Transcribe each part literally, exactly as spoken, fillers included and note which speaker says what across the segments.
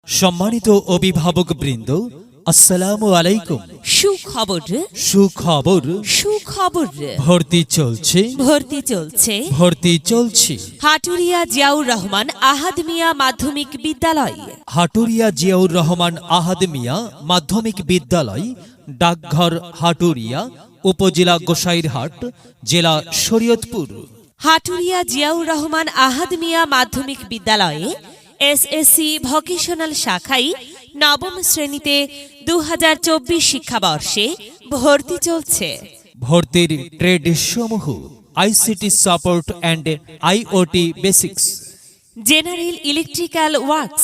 Speaker 1: সম্মানিত অভিভাবকবৃন্দ, আসসালামু আলাইকুম।
Speaker 2: সুখবর
Speaker 1: সুখবর
Speaker 2: সুখবর
Speaker 1: ভর্তি চলছে
Speaker 2: ভর্তি চলছে
Speaker 1: ভর্তি চলছে
Speaker 2: হাটুরিয়া জিয়াউর রহমান আহাদ মিয়া মাধ্যমিক বিদ্যালয়।
Speaker 1: হাটুরিয়া জিয়াউর রহমান আহাদ মিয়া মাধ্যমিক বিদ্যালয়, ডাকঘর হাটুরিয়া, উপজেলা গোসাইরহাট, জেলা শরীয়তপুর।
Speaker 2: হাটুরিয়া জিয়াউর রহমান আহাদ মিয়া মাধ্যমিক বিদ্যালয়ে এসএসসি ভোকেশনাল শাখায় নবম শ্রেণীতে দু হাজার চব্বিশ শিক্ষাবর্ষে ভর্তি চলছে।
Speaker 1: ভর্তির ট্রেড সমূহ ICT support and IOT basics,
Speaker 2: general electrical works.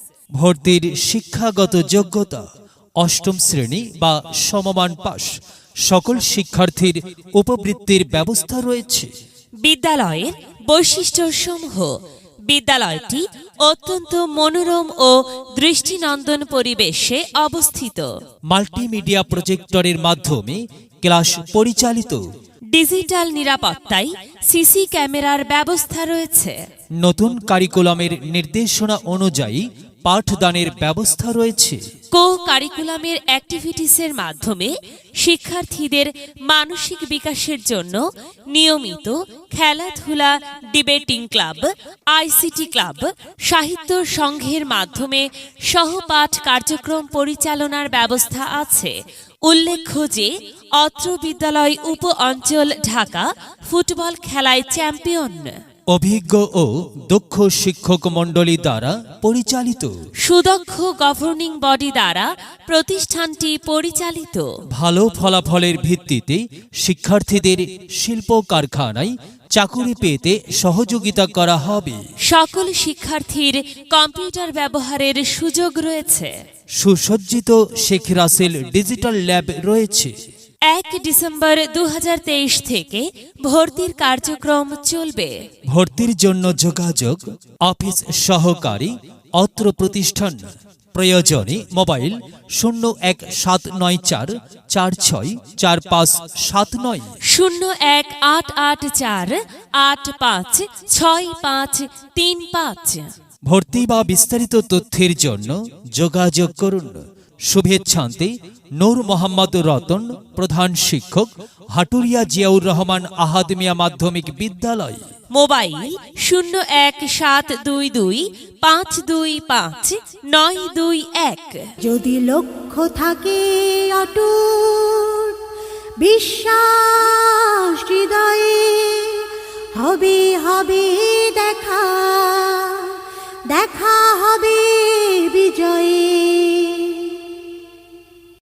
Speaker 1: ভর্তির শিক্ষাগত যোগ্যতা অষ্টম শ্রেণী বা সমমান পাস। সকল শিক্ষার্থীর উপবৃত্তির ব্যবস্থা রয়েছে।
Speaker 2: বিদ্যালয়ের বৈশিষ্ট্যসমূহ: বিদ্যালয়টি অত্যন্ত মনোরম ও দৃষ্টিনন্দন পরিবেশে অবস্থিত।
Speaker 1: মাল্টিমিডিয়া প্রজেক্টরের মাধ্যমে ক্লাস পরিচালিত।
Speaker 2: ডিজিটাল নিরাপত্তায় সিসি ক্যামেরার ব্যবস্থা রয়েছে।
Speaker 1: নতুন কারিকুলামের নির্দেশনা অনুযায়ী পাঠদানের ব্যবস্থা রয়েছে।
Speaker 2: কো কারিকুলামের অ্যাক্টিভিটিসের মাধ্যমে শিক্ষার্থীদের মানসিক বিকাশের জন্য নিয়মিত খেলাধুলা, ডিবেটিং ক্লাব, আইসিটি ক্লাব, সাহিত্য সংঘের মাধ্যমে সহপাঠ কার্যক্রম পরিচালনার ব্যবস্থা আছে। উল্লেখ্য যে অত্র বিদ্যালয় উপ অঞ্চল ঢাকা ফুটবল খেলায় চ্যাম্পিয়ন।
Speaker 1: অভিজ্ঞ ও দক্ষ শিক্ষক মণ্ডলী দ্বারা পরিচালিত।
Speaker 2: সুদক্ষ গভর্নিং বডি দ্বারা প্রতিষ্ঠানটি পরিচালিত।
Speaker 1: ভালো ফলাফলের ভিত্তিতে শিক্ষার্থীদের শিল্প কারখানায় চাকুরি পেতে সহযোগিতা করা হবে।
Speaker 2: সকল শিক্ষার্থীর কম্পিউটার ব্যবহারের সুযোগ রয়েছে।
Speaker 1: সুসজ্জিত শেখ রাসেল ডিজিটাল ল্যাব রয়েছে।
Speaker 2: এক ডিসেম্বর দু হাজার তেইশ থেকে ভর্তির কার্যক্রম চলবে।
Speaker 1: ভর্তির জন্য যোগাযোগ অফিস সহকারী অত্র প্রতিষ্ঠান। প্রয়োজনে মোবাইল শূন্য এক সাত নয় চার চার ছয় চার পাঁচ সাত নয়,
Speaker 2: শূন্য এক আট আট চার আট পাঁচ ছয় পাঁচ তিন পাঁচ।
Speaker 1: ভর্তি বা বিস্তারিত তথ্যের জন্য যোগাযোগ করুন। শুভেচ্ছান্তে নূর মোহাম্মদ রতন, প্রধান শিক্ষক, হাটুরিয়া জিয়াউর রহমান আহাদ মিয়া মাধ্যমিক বিদ্যালয়।
Speaker 2: মোবাইল শূন্য এক সাত দুই দুই পাঁচ দুই পাঁচ নয় দুই এক।
Speaker 3: যদি লক্ষ্য থাকে অটুট, বিশ্বাস হৃদয়ে, হবে হবে দেখা, দেখা হবে বিজয়।